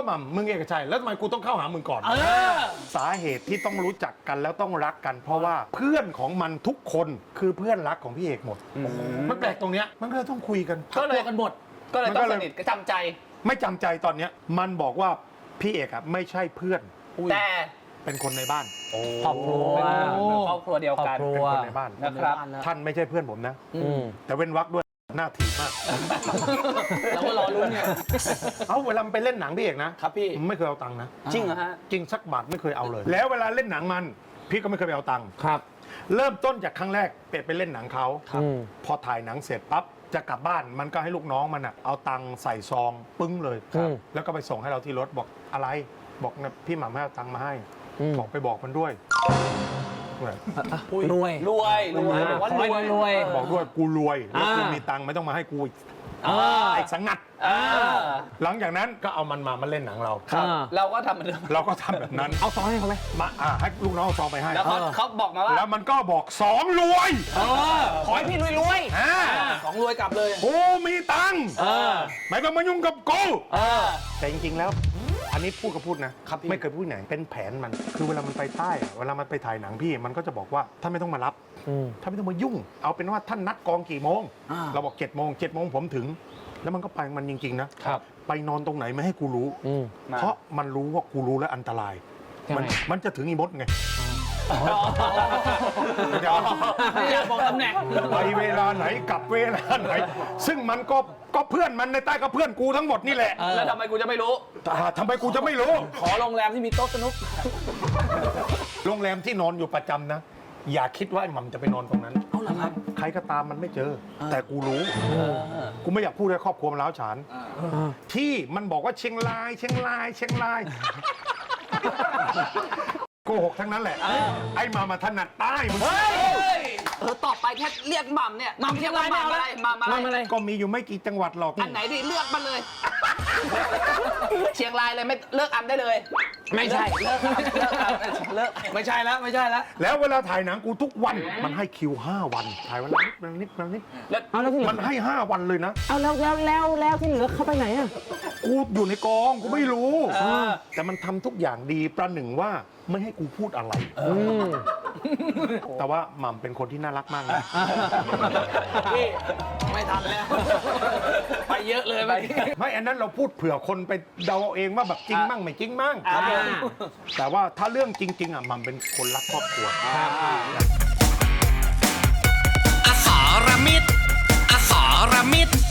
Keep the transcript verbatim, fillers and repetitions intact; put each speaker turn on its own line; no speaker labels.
หม่ำมึงเอกชัยแล้วทำไมกูต้องเข้าหามึงก่อนสาเหตุที่ต้องรู้จักกันแล้วต้องรักกัน เพราะว่าเพื่อนของมันทุกคนคือเพื่อนรักของพี่เอกหมดมันแปลกตรงเนี้ยมันก็เลยต้องคุยกัน
ก็เลยกันหมดก็เลยต้องสนิทก็จำใจ
ไม่จำใจตอนเนี้ยมันบอกว่าพี่เอกอะไม่ใช่เพื่อน
แต่
เป็นคนในบ้าน
ครอบครัว
ครอบครัวเดียวกัน
เป็นคนในบ้าน
นะครับ
ท่านไม่ใช่เพื่อนผมนะแต่เว้นวรรคด้วยหน้าถีบมาก
เราก็รอลุ้นเนี่ย
เอาเวลาไปเล่นหนังพี่เอกนะครับ
พี่
ไม่เคยเอาตังค์นะ
จริงเหรอฮะ
จริงสักบาทไม่เคยเอาเลย แล้วเวลาเล่นหนังมันพี่ก็ไม่เคยไปเอาตังค์
ครับ
เริ่มต้นจากครั้งแรกเป็ดไปเล่นหนังเขาพอถ่ายหนังเสร็จปั๊บจะกลับบ้านมันก็ให้ลูกน้องมันอะเอาตังค์ใส่ซองปึ้งเลยแล้วก็ไปส่งให้เราที่รถบอกอะไรบอกนะพี่หม่ำให้เอาตังค์มาให้บอกไปบอกมันด้วย
รวย
รวยรวยบอกว่ารวย
รวย
บอกด้วยกูรวยแล้วกูมีตังค์ไม่ต้องมาให้กูไอ้สังงัดหลังจากนั้นก็เอามันมามาเล่นหนังเรา
เราก็ทำเหมือนเดิม
เราก็ทำแบบนั้น
เอาซองให้เขาไหม
มาให้ลูกน้องเอาซองไปให้
แล้วเขาบอกมาว่า
แล้วมันก็บอกสองรวย
ขอให้พี่รวยรวยสองรวยกลับเลย
กูมีตังค์ไม่ต้องมายุ่งกับกูแต่จริงๆแล้วอันนี้พูดก็พูดนะไม่เคยพูดไหนเป็นแผนมันคือเวลามันไปใต้เวลามันไปถ่ายหนังพี่มันก็จะบอกว่าท่านไม่ต้องมารับท่านไม่ต้องมายุ่งเอาเป็นว่าท่านนัดกองกี่โมงเราบอกเจ็ดโมงเจ็ดโมงผมถึงแล้วมันก็ไปมันจริงๆนะไปนอนตรงไหนไม่ให้กูรู้เพราะมันรู้ว่ากูรู้แล้วอันตรายมันมันจะถึงอีมดไง
อยากบอกตำแหน่ง
ไปเวลาไหนกลับเวลาไหนซึ่งมันก็ก็เพื่อนมันในใต้ก็เพื่อนกูทั้งหมดนี่แหละ
แล้วทำไมกูจะไม่รู้
ทำไมกูจะไม่รู้
ขอโรงแรมที่มีโต๊ะสนุก
โรงแรมที่นอนอยู่ประจำนะอย่าคิดว่าไอ้หม่ำจะไปนอนตรงนั้น
เอาล่ะครับ
ใครก็ตามมันไม่เจอแต่กูรู้กูไม่อยากพูดให้ครอบครัวมันร้าวฉานที่มันบอกว่าเชียงรายเชียงรายเชียงรายโกหกทั้งนั้นแหละไอ้มามาถนัดใต้มึง
เออต่อไปแค่เรียกหม่ำเนี่ยหม่ำเรียกว่าหม่ำอะไรหม่ำอะไร
ก็มีอยู่ไม่กี่จังหวัดหรอก
อันไหนดิเลือกมาเลยเชียงรายเลยไม่เลิกอันได้เลย
ไม่ใช่
เลิกเลิกเลิกไม่ใช่แล้วไม่ใช่แล้ว
แล้วเวลาถ่ายหนังกูทุกวันมันให้คิวห้าวันถ่ายวันนิดวันนิดวันนิดแล้วมันให้ห้าวันเลยนะ
เอาแล้วแล้วแล้วแล้วที่เหลือเข้าไปไหนอ่ะ
กูอยู่ในกองกูไม่รู้แต่มันทำทุกอย่างดีประหนึ่งว่าไม่ให้กูพูดอะไรแต่ว่าหม่ำเป็นคนที่น่ารักมากนะ
พี่ไม่ทันแล้วไปเยอะเลยไป
ไม่อันนั้นเราพูดเผื่อคนไปเดาเองว่าแบบจริงมั่งไม่จริงมั่งแต่ว่าถ้าเรื่องจริงๆอ่ะหม่ำเป็นคนรักครอบครัว
อสรมิตรอสรมิตร